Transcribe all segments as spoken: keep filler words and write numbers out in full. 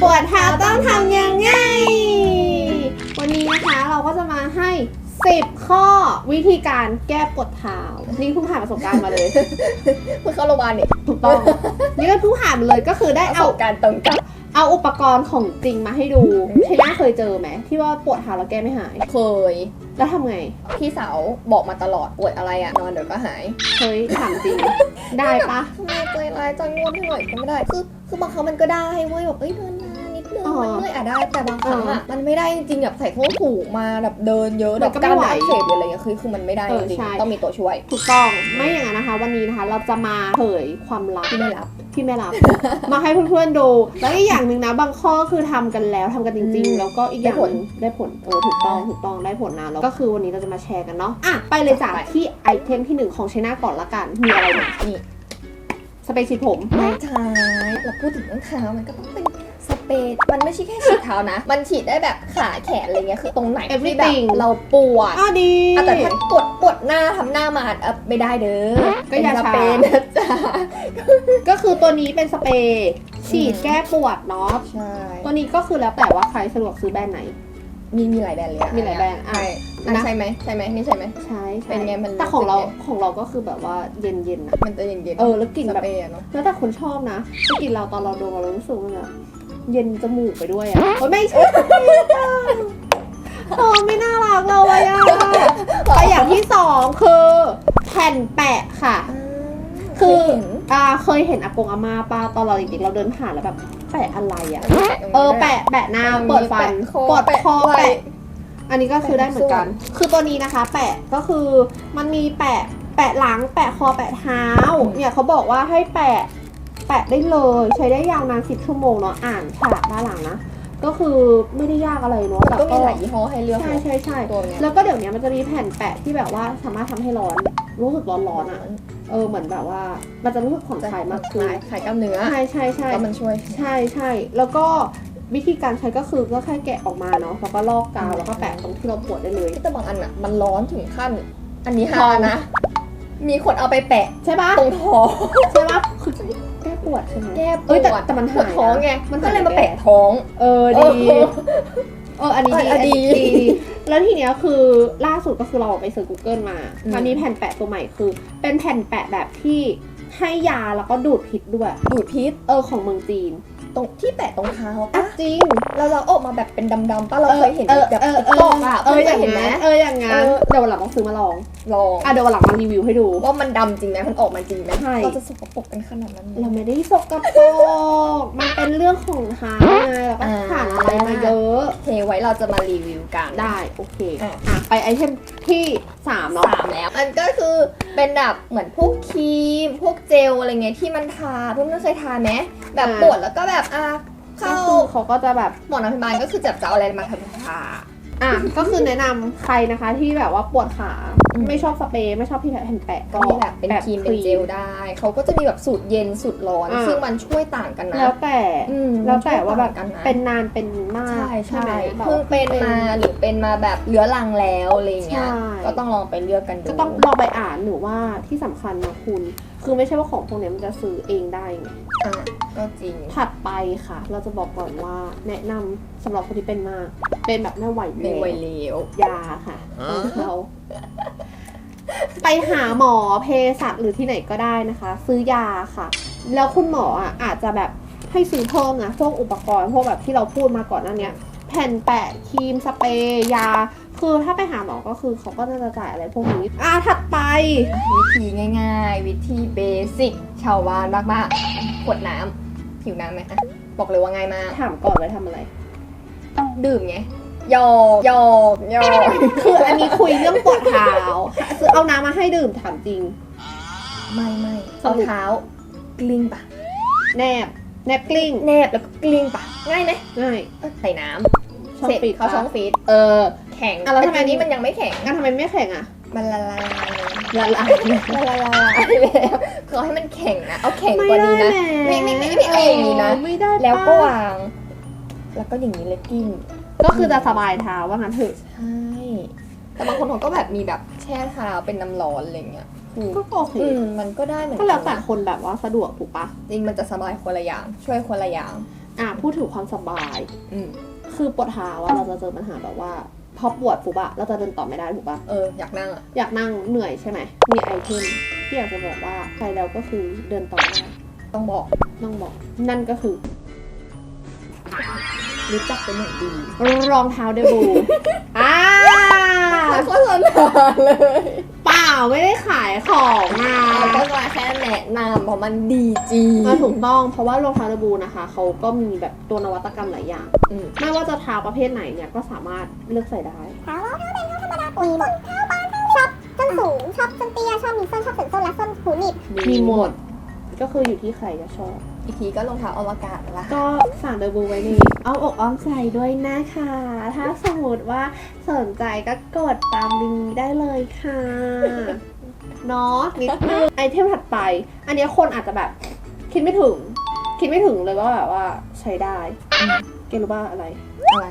ปวดเท้าต้องทำยังไงวันนี้นะคะเราก็จะมาให้สิบข้อวิธีการแก้ปวดเท้านี่เพิ่งผ่านประสบการณ์มาเลยเพิ่งเข้าโรงพยาบาลนี่ถูกต้องนี่ก็เพิ่งผ่านมาเลยก็คือได้เอาการตรงกับเอาอุปกรณ์ของจริงมาให้ดูใช่น่าเคยเจอไหมที่ว่าปวดเท้าแล้วแก้ไม่หายเคยแล้วทำไงพี่สาวบอกมาตลอดปวดอะไรอะนอนเดี๋ยวก็หายเฮ้ยถามจริงได้ปะทำไมใจร้ายจังงวดให้หน่อยก็ไม่ได้คือคือบางครั้งมันก็ได้เว้ยแบบเอ้ยเดินมานิดนึงมันเมื่อยอะได้แต่บางครั้งอะมันไม่ได้จริงแบบใส่ส้นสูงมาแบบเดินเยอะแบบกล้ามอักเสบอะไรเงี้ยคือคือมันไม่ได้จริงต้องมีตัวช่วยถูกต้องไม่อย่างนั้นนะคะวันนี้นะคะเราจะมาเผยความลับที่ไม่ลับที่ไม่รับมาให้เพื่อนๆดูแล้วอีกอย่างหนึ่งนะบางข้อคือทำกันแล้วทำกันจริงๆแล้วก็อีกอย่างนึงได้ผลเออถูกต้องถูกต้องได้ผลนะแล้วก็คือวันนี้เราจะมาแชร์กันเนาะอ่ะไปเลยจากที่ไอเทมที่หนึ่งของชนะก่อนละกันมีอะไรบ้างนี่สเปรย์ฉีดผมไม่ใช่เราพูดถึงเรื่องเท้ามันก็ต้องเป็นสเปรย์มันไม่ใช่แค่ฉีดเท้านะมันฉีดได้แบบขาแขนอะไรเงี้ยคือตรงไหนที่แบบเราปวดอ่ะดีแต่ถ้าปวดปวดหน้าทำหน้ามาอ่ะไม่ได้เด้อก็อย่าสเปรย์นะจ๊ะก็คือตัวนี้เป็นสเปรย์ฉีดแก้ปวดเนาะใช่ตัวนี้ก็คือแล้วแต่ว่าใครสะดวกซื้อแบรนด์ไหนมีมีหลายแบรนด์เลยมีหลายแบรนด์ใช่ใช่ไหมใช่ไหมนี่ใช่ไหมใช่เป็นไงมันแต่ของเราของเราก็คือแบบว่าเย็นเย็นนะมันจะเย็นเย็นเออแล้วกลิ่นแบบเนาะแล้วแต่คนชอบนะถ้ากลิ่นเราตอนเราดมเรารู้สึกว่าแบบเย็นจมูกไปด้วยอ่ะโอ้ยไม่ใช่โอ้ไม่น่ารักเลยอ่ะไปอย่างที่สองคือแผ่นแปะค่ะคืออ่าเคยเห็นอากงอาม่าป้าตอนเราเด็กๆเราเดินผ่านแล้วแบบแปะอะไรอ่ะเออแปะแปะหน้าเปิดฟันปวดคอแปะอันนี้ก็คือได้เหมือนกันคือตัวนี้นะคะแปะก็คือมันมีแปะแปะหลังแปะคอแปะเท้าเนี่ยเขาบอกว่าให้แปะแปะได้เลยใช้ได้ยาวนานสิบชั่วโมงเนาะอ่านฉลากด้านหลังนะก็คือไม่ได้ยากอะไรเนาะแต่ก็มีหลายยี่ห้อให้เลือกใช่ใช่ใช่แล้วก็เดี๋ยวนี้มันจะมีแผ่นแปะที่แบบว่าสามารถทำให้ร้อนรู้สึกร้อนร้อนอ่ะเออเหมือนแบบว่ามันจะรู้สึกผ่อนคลายมากขึ้นคลายกล้ามเนื้อใช่ใช่ใช่แล้วมันช่วยใช่ใช่แล้วก็วิธีการใช้ก็คือก็แค่แกะออกมาเนาะแล้วก็ลอกกาวแล้วก็แปะตรงที่เราปวดได้เลยแต่บางอันอ่ะมันร้อนถึงขั้นอันนี้ฮานะมีคนเอาไปแปะใช่ปะตรงท้องใช่ปะคือแก้ปวดใช่ไหมแก้ปวดแต่มันหายท้องไงมันก็เลยมาแปะท้องเออดีเอออันนี้ดีดีแล้วทีเนี้ยคือล่าสุดก็คือเราไปเสิร์ช Google มามันมีแผ่นแปะตัวใหม่คือเป็นแผ่นแปะแบบที่ให้ยาแล้วก็ดูดพิษด้วยดูดพิษเออของเมืองจีนตรงที่แปะตรงเท้าปะจริงเราเราออกมาแบบเป็นดำๆป่ะเราเคยเห็นแบบตอกอ่ะเอออย่างนั้นเอออย่างงั้นเดี๋ยววันหลังต้องซื้อมาลองลองอ่ะเดี๋ยววันหลังมารีวิวให้ดูว่ามันดำจริงไหมมันออกมาจริงไหมเราจะสกปรกกันขนาดนั้นเราไม่ได้สกปรกมันเป็นเรื่องของเท้าไงเราก็ผ่านอะไรมาเยอะเทไว้เราจะมารีวิวกันได้โอเคอ่ะไปไอเทมที่สามเนาะสามแล้วอันก็คือเป็นแบบเหมือนพวกครีมพวกเจลอะไรเงี้ยที่มันทาเพื่อนๆเคยทาไหมแบบปวดแล้วก็แบบอ่ะเข้าเขาก็จะแบบหมอนพยาบาลก็คือจับจะเอาอะไรมาทำทาอ่ะก็คือแนะนำใครนะคะที่แบบว่าปวดขาไม่ชอบสเปรย์ไม่ชอบที่แผ่นแปะก็มีแบบเป็นครีมเป็นเจลได้เขาก็จะมีแบบสูตรเย็นสูตรร้อนซึ่งมันช่วยต่างกันนะแล้วแต่แล้วแต่ว่าแบบเป็นนานเป็นมากใช่ใช่เพิ่งเป็นมาหรือเป็นมาแบบเรื้อรังแล้วอะไรเงี้ยก็ต้องลองไปเลือกกันดูก็ต้องลองไปอ่านหรือว่าที่สำคัญนะคุณคือไม่ใช่ว่าของพวกนี้มันจะซื้อเองได้ไงอ่ะก็จริงถัดไปค่ะเราจะบอกก่อนว่าแนะนำสำหรับคนที่เป็นมากเป็นแบบไม่ไหวไม่ไหวเลี้ยวยาค่ะของเขาไปหาหมอเภสัชหรือที่ไหนก็ได้นะคะซื้อยาค่ะแล้วคุณหมออ่ะอาจจะแบบให้ซื้อเพิ่มนะพวกอุปกรณ์พวกแบบที่เราพูดมาก่อนหน้านี้แผ่นแปะครีมสเปรย์ยาคือถ้าไปหาหมอก็คือเขาก็จะจ่ายอะไรพวกนี้อ่ะถัดไปวิธีง่ายๆวิธีเบสิกชาวบ้านมากๆขวดน้ำหิวน้ำไหมอ่ะบอกเลยว่าง่ายมากถามก่อนเลยทำอะไรดื่มไงหยอกหยอกหยอกคืออันนี้คุยเรื่องปวดเท้าคือเอาน้ำมาให้ดื่มถามจริงไม่ไม่เอาเท้ากลิ้งปะแนบแนบกลิ้งแนบแล้วก็กลิ้งปะง่ายไหมง่ายใส่น้ำเสร็จเขาช่องฟีดเออแข็งอะไรทำไมนี้มันยังไม่แข็งงั้นทำไมไม่แข็งอ่ะมันละลายละลายละลายละลายแล้วคือให้มันแข็งนะเอาแข็งกว่านี้นะไม่ไม่ไม่ไม่เอาอย่างนี้นะแล้วก็วางแล้วก็อย่างนี้เลยกิ้งก็คือจะสบายเท้าว่างั้นเถอะใช่แต่บางคนเขาก็แบบมีแบบแช่เท้าเป็นน้ำร้อนอะไรเงี้ยก็โอเคมันก็ได้เหมือนก็แล้วแต่คนแบบว่าสะดวกถูกปะจริงมันจะสบายคนละอย่างช่วยคนละอย่างอ่ะพูดถึงความสบายอืมคือปวดเท้าอะเราจะเจอปัญหาแบบว่าพอปวดปุ๊บอะเราจะเดินต่อไม่ได้ถูกปะเอออยากนั่งอ่ะอยากนั่งเหนื่อยใช่ไหมมีไอเทมที่อยากจะบอกว่าใช้แล้วก็คือเดินต่อได้ต้องบอกต้องบอกนั่นก็คือรู้จักเป็นอย่างดีรองเท้าเดบู อ่าโฆษณาเลยเปล่าไม่ได้ขายของนะก็มาแค่แนะนำเพราะมันดีจริงมาถูกต้องเพราะว่ารองเท้าเดบูนะคะเขาก็มีแบบตัวนวัตกรรมหลายอย่างอืมไม่ว่าจะเท้าประเภทไหนเนี่ยก็สามารถเลือกใส่ได้เท้าล้อเท้าเป็นเท้าธรรมดามีหมดเท้าบานเท้าช็อปส้นสูงชอบส้นเตี้ยชอบมีส้นชอบส้นส้นและส้นหูหนีบมีหมดก็คืออยู่ที่ใครจะชอบอีกทีก็รองเท้าอวกาศละก็ฝากเดบูไว้ในเอาอกอ้อมใจด้วยนะคะ ถ้าสมมติว่าสนใจก็กดตามลิงก์ได้เลยค่ะเนาะนิดนึงไอเทมถัดไป อันเนี้ยคนอาจจะแบบ คิดไม่ถึง คิดไม่ถึงเลยว่าแบบว่าใช้ได้เกรู้ป่ะอะไรอะไร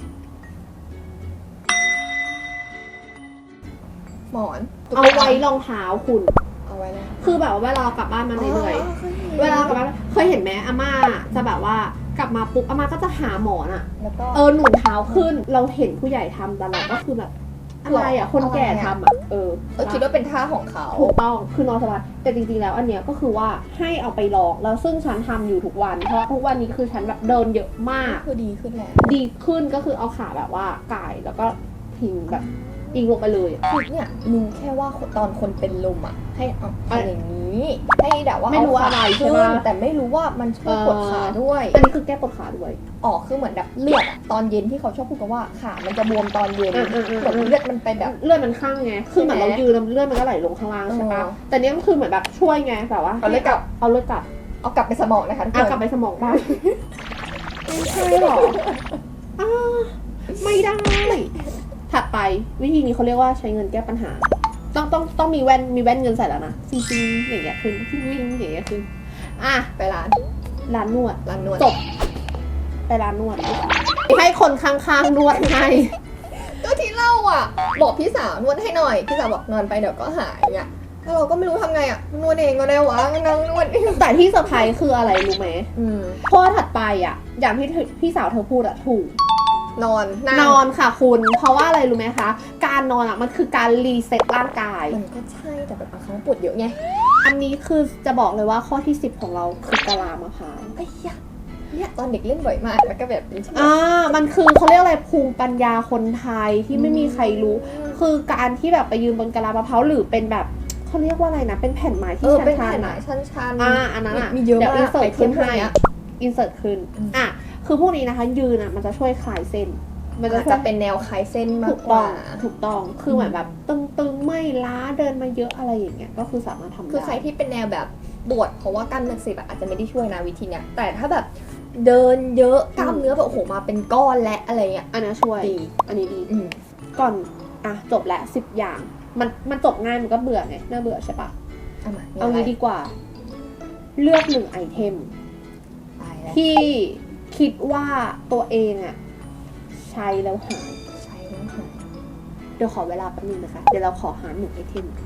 หมอนเอาไว้รองเท้าคุณเอาไว้เลยคือแบบว่าเวลาเรากลับบ้านมาเหนื่อยๆเวลาเรากลับบ้านเคยเห็นไหมอาม่าจะแบบว่ากลับมาปุ๊บอาม่าก็จะหาหมอนอะแล้วก็เออหนุนเท้าขึ้น เราเห็นผู้ใหญ่ทำแต่เราก็คือแบบอะไรอ่ะ คนแก่ทำอ่ะ เออเออคิดว่าเป็นท่าของเขาถูกต้อง คือนอนสบายแต่จริงๆแล้วอันเนี้ยก็คือว่าให้เอาไปลอง แล้วซึ่งฉันทำอยู่ทุกวัน เพราะทุกวันนี้คือฉันแบบเดินเยอะมากคือดีขึ้นแล้วดีขึ้นก็คือเอาขาแบบว่าก่ายแล้วก็พิงแบบอิงลงไปเลยอะคือเนี่ยรู้แค่ว่าตอนคนเป็นลมอ่ะ ให้เอาทำอย่างนี้ ให้แบบว่าไม่รู้ว่าอะไรใช่ขึ้นปะแต่ไม่รู้ว่ามันช่วยปวดขาด้วยอันนี้คือแก้ปวดขาด้วยอ๋อคือเหมือนแบบเลือดอะตอนเย็นที่เขาชอบพูดกันว่าขามันจะบวมตอนเย็นเออเออเออเหมือนเลือดมันไปแบบเลือดมันข้างไง คือเหมือนเรายืนแล้วเลือดมันก็ไหลลงข้างล่างใช่ปะเออแต่เนี้ยมันคือเหมือนแบบช่วยไงแบบว่าเอาเลือดกลับเอาเลือดกลับเอากลับไปสมองนะคะทุกคอ่ะนกลับไปสมองบ้าง ไม่ใช่หรออ่าไม่ได้ ถัดไปวิธีนี้เขาเรียกว่าใช้เงินแก้ปัญหา ต้องต้องต้องมีแว่นมีแว่นเงินใส่แล้วนะซิงซิงอย่างเงี้ยขึ้นซิงซิงอย่างเงี้ยขึ้นอ่ะไปร้านร้านนวดร้านนวดจบไปร้านนวดให้คนข้างๆนวดให้ก็ที่เล่าอ่ะ บอกพี่สาวนวดให้หน่อยพี่สาวบอกนอนไปเดี๋ยวก็หายเนี่ยแล้วเราก็ไม่รู้ทำไงอ่ะนวดเองก็ได้วะนั่งนวดเองแต่ที่เซอร์ไพรส์คืออะไรรู้ไหมอืมข้อถัดไปอ่ะ อย่างที่พี่สาวเธอพูดอะถูกนอนงนอนค่ะคุณ เพราะว่าอะไรรู้ไหมคะ การนอนอ่ะมันคือการรีเซ็ตร่างกายมันก็ใช่แต่แบบบางครั้งปวดเยอะไงอันนี้คือจะบอกเลยว่าข้อที่สิบของเราคือกะลามะพร้าวไอ้ยะเนี่ยตอนเด็กเล่นบ่อยมากแล้วก็แบบเป็นที่อ่า มันคือเขาเรียกอะไรภูมิปัญญาคนไทยที่ไม่มีใครรู้ คือการที่แบบไปยืนบนกะลามะพร้าวหรือเป็นแบบเขาเรียกว่าอะไรนะ เป็นแผ่นไม้เอที่อชันเป็นๆแผ่นไหนอะชันๆอ่า อันนั้นอ่ะมีเยอะเดี๋ยวมาอิกนเสิร์ตไอเทขึ้นมพวกให้เนี้ยอินเสิร์ตขึ้นอืมอ่ะ คือพวกนี้นะคะ ยืนอ่ะมันจะช่วยคลายเส้น มันจะอาจช่วจะยเป็นแนวคลายเส้นมาถูกกกต้อว่าง ถูกต้อง คือเหมือนแบบตึงๆ ไม่ล้า เดินมาเยอะอะไรอย่างเงี้ย ก็คือสามารถทำได้คือใครที่เป็นแนวแบบปวดเพราะว่ากล้ามเนื้ออักเสบอะอาจจะไม่ได้ช่วยนะวิธีเนี้ยแต่ถ้าแบบเดินเยอะกล้ามเนื้อแบบโอ้โหมาเป็นก้อนและอะไรเงี้ยอันนี้ช่วยดีอันนี้ดีอืมก่อน อ่ะ จบแล้วสิบอย่าง มัน มันจบง่าย มันก็เบื่อไง น่าเบื่อใช่ปะเอามาเอางี้ดีกว่า เลือกหนึ่งไอเทมตายแล้วที่คิดว่าตัวเองอะใช้แล้วหายใช้แล้วหายเดี๋ยวขอเวลาแป๊บนึงนะคะ เดี๋ยวเราขอหาหนึ่งไอเทม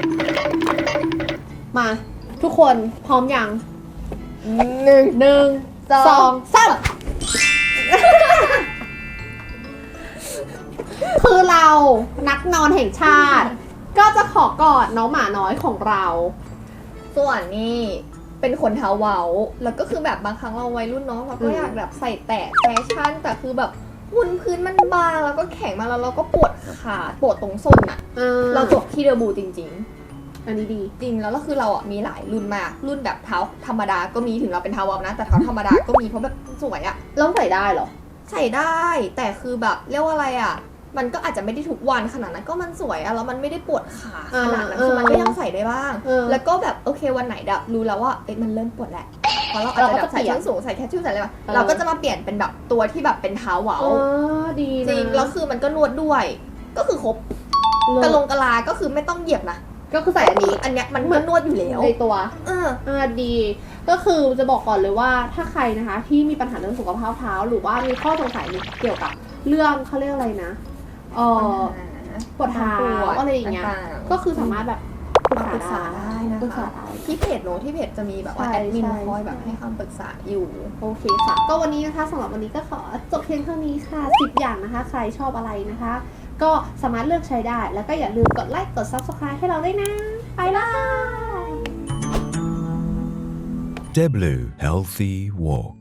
มา ทุกคนพร้อมยังหนึ่งหนึ่งสองสองสามคือเรานักนอนแห่งชาติ ก็จะขอกอดน้องหมาน้อยของเราส่วนนี่เป็นขนเท้าเว้าแล้วก็คือแบบบางครั้งเราวัยรุ่นเนาะเราก็อืมอยากแบบใส่แตะแฟชั่นแต่คือแบบบนพื้นมันบางแล้วก็แข็งมากแล้วเราก็ปวดขาปวดตรงส้นอะอ่าเราจบที่เดอะบูจริงอันนี้ดีๆ จริงแล้วก็คือเราอ่ะมีหลายรุ่นมากรุ่นแบบเท้าธรรมดาก็มีถึงเราเป็นเท้าเว้านะแต่เท้าธรรมดาก็มีเพราะแบบสวยอะแล้วใส่ได้เหรอใส่ได้ แต่คือแบบเรียกว่าอะไรอะมันก็อาจจะไม่ได้ทุกวันขนาดนั้นก็มันสวยอะแล้วมันไม่ได้ปวดขาขนาดนั้นเออคือมันก็ยังใส่ได้บ้างเออแล้วก็แบบโอเควันไหนแบบรู้แล้วว่าเอ้ยมันเริ่มปวดแหละเพราะเราอาจจะแบบใส่ส้นสูงใส่แคชชูใส่อะไรมาเออเราก็จะมาเปลี่ยนเป็นแบบตัวที่แบบเป็นเท้าเหวาอ๋อดีนะจริงแล้วคือมันก็นวดด้วย ก็คือครบกระลงกระลาก็คือไม่ต้องเหยียบนะก็คือใส่อันนี้อันเนี้ยมันก็นวดอยู่แล้วในตัวเอออ่าดี ก็คือจะบอกก่อนเลยว่าถ้าใครนะคะ ที่มีปัญหาเรื่องสุขภาพเท้า หรือว่ามีข้อสงสัยเกี่ยวกับเรื่องเขาเรียกอะไรนะเออปวดเท้าอะไรอย่างเงี้ยต่างๆก็คือสามารถแบบปรึกษาปรึกษาได้นะปรึกษาคะได้ที่เพจโน้ตที่เพจจะมีแบบว่าใช่แอดมินใช่คอยแบบให้คำปรึกษาอยู่โอเคค่ะ ก็วันนี้นะคะสำหรับวันนี้ก็ขอจบเพียงเท่านี้ค่ะสิบอย่างนะคะ ใครชอบอะไรนะคะ ก็สามารถเลือกใช้ได้ แล้วก็อย่าลืมกดไลค์กด ซับสไครบ์ ให้เราด้วยนะ ไปละ Deblu Healthy Walk